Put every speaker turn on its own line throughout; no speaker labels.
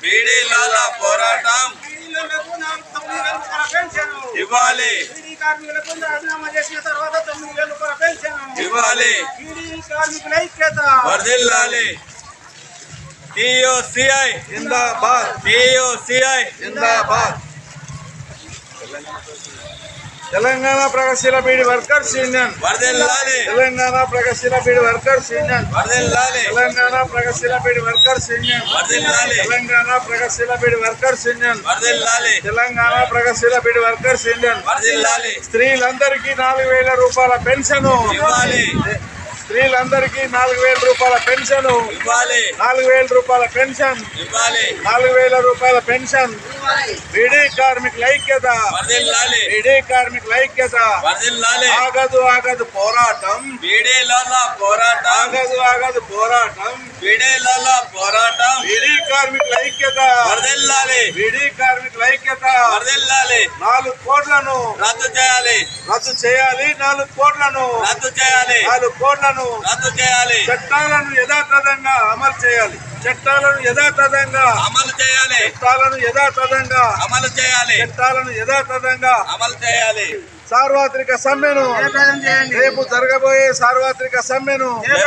బీడీల పోరాటం ఇవ్వాలి.
కార్మికులకు రాజీనామా చేసిన తర్వాత 9,000 రూపాయల పెన్షన్
ఇవ్వాలి.
కార్మికుల ఐక్యత
వర్ధిల్లాలి. TUCI
zindabad,
TUCI
zindabad. తెలంగాణ ప్రగతిశీల బీడీ వర్కర్స్ యూనియన్
వర్ధిల్లాలి.
తెలంగాణ ప్రగతిశీల బీడీ వర్కర్స్ యూనియన్
వర్ధిల్లాలి.
తెలంగాణ ప్రగతిశీల బీడీ వర్కర్స్ యూనియన్
వర్ధిల్లాలి.
తెలంగాణ ప్రగతిశీల బీడీ వర్కర్స్ యూనియన్
వర్ధిల్లాలి.
తెలంగాణ ప్రగతిశీల బీడీ వర్కర్స్ యూనియన్
వర్ధిల్లాలి.
స్త్రీలందరికీ 4,000 రూపాయల పెన్షన్
ఇవ్వాలి.
స్త్రీలందరికీ 4,000 రూపాయల పెన్షన్
ఇవ్వాలి.
4,000 రూపాయల పెన్షన్
ఇవ్వాలి.
4,000 రూపాయల పెన్షన్. బీడీ కార్మికుల ఐక్యత,
వర్ధిల్లాలి.
బీడీ కార్మికుల ఐక్యత.
వర్ధిల్లాలి.
ఆగదు పోరాటం,
బీడీల పోరాటం
ఆగదు పోరాటం.
బీడీల పోరాటం
బీడీ కార్మికుల ఐక్యత,
వర్ధిల్లాలి.
బీడీ కార్మికుల ఐక్యత.
వర్ధిల్లాలి.
4 కోట్లను
రద్దు చేయాలి.
రద్దు చేయాలి. 4 కోట్లను
రద్దు చేయాలి.
4 కోట్లను
రద్దు చేయాలి.
చట్టాలను యథాతథంగా అమలు చేయాలి. చట్టాలను యథాతథంగా
అమలు చేయాలి.
చట్టాలను యథాతథంగా
అమలు చేయాలి.
చట్టాలను యథాతథంగా
అమలు చేయాలి.
సార్వత్రిక సమ్మెను రేపు జరగబోయే సార్వత్రిక సమ్మెను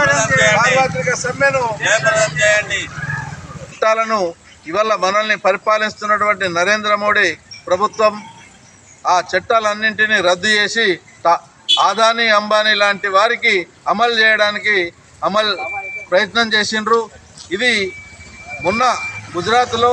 జయప్రదం చేయండి.
చట్టాలను ఇవాళ మనల్ని పరిపాలిస్తున్నటువంటి నరేంద్ర మోడీ ప్రభుత్వం ఆ చట్టాలన్నింటినీ రద్దు చేసి ఆదానీ అంబానీ లాంటి వారికి అమలు చేయడానికి ప్రయత్నం చేసిండ్రు. ఇది మొన్న గుజరాత్లో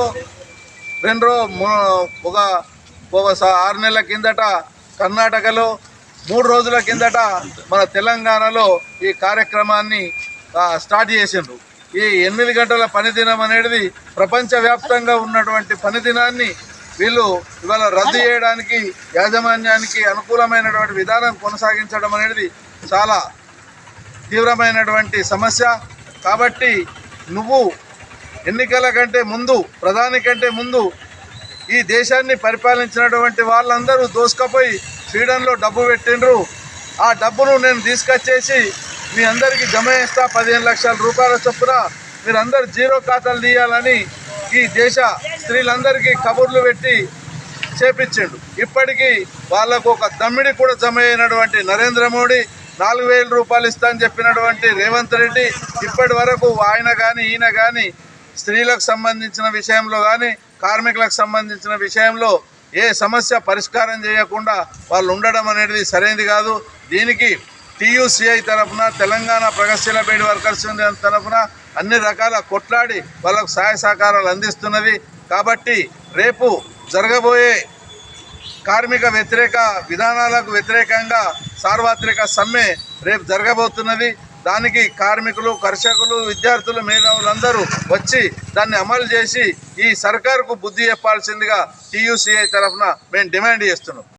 ఒక 6 నెలల కిందట, కర్ణాటకలో 3 రోజుల కిందట, మన తెలంగాణలో ఈ కార్యక్రమాన్ని స్టార్ట్ చేసిండ్రు. ఈ 8 గంటల పనిదినం అనేది ప్రపంచవ్యాప్తంగా ఉన్నటువంటి పనిదినాన్ని వీళ్ళు ఇవాళ రద్దు చేయడానికి, యాజమాన్యానికి అనుకూలమైనటువంటి విధానం కొనసాగించడం అనేది చాలా తీవ్రమైనటువంటి సమస్య. కాబట్టి నువ్వు ఎన్నికల కంటే ముందు, ప్రధాని కంటే ముందు ఈ దేశాన్ని పరిపాలించినటువంటి వాళ్ళందరూ దోసుకపోయి స్వీడన్లో డబ్బు పెట్టిండ్రు. ఆ డబ్బును నేను తీసుకొచ్చేసి మీ అందరికీ జమ చేస్తా 15 లక్షల రూపాయల చొప్పున మీరందరూ జీరో ఖాతాలు తీయాలని ఈ దేశ స్త్రీలందరికీ కబుర్లు పెట్టి చేపించిండు. ఇప్పటికీ వాళ్ళకు ఒక దమ్మిడి కూడా జమ అయినటువంటి నరేంద్ర మోడీ, 4,000 రూపాయలు ఇస్తా అని చెప్పినటువంటి రేవంత్ రెడ్డి ఇప్పటి వరకు ఆయన కానీ ఈయన కానీ స్త్రీలకు సంబంధించిన విషయంలో కానీ కార్మికులకు సంబంధించిన విషయంలో ఏ సమస్య పరిష్కారం చేయకుండా వాళ్ళు ఉండడం అనేది సరైనది కాదు. దీనికి టీయూసీఐ తరఫున, తెలంగాణ ప్రగతిశీల బీడీ వర్కర్స్ యూనియన్ తరఫున అన్ని రకాల కొట్లాడి వాళ్ళకు సహాయ సహకారాలు అందిస్తున్నది. కాబట్టి రేపు జరగబోయే కార్మిక వ్యతిరేక విధానాలకు వ్యతిరేకంగా సార్వత్రిక సమ్మె రేపు జరగబోతున్నది. దానికి కార్మికులు, కర్షకులు, విద్యార్థులు, మేధావులందరూ వచ్చి దాన్ని అమలు చేసి ఈ సర్కారుకు బుద్ధి చెప్పాల్సిందిగా టీయూసీఐ తరఫున మేము డిమాండ్ చేస్తున్నాం.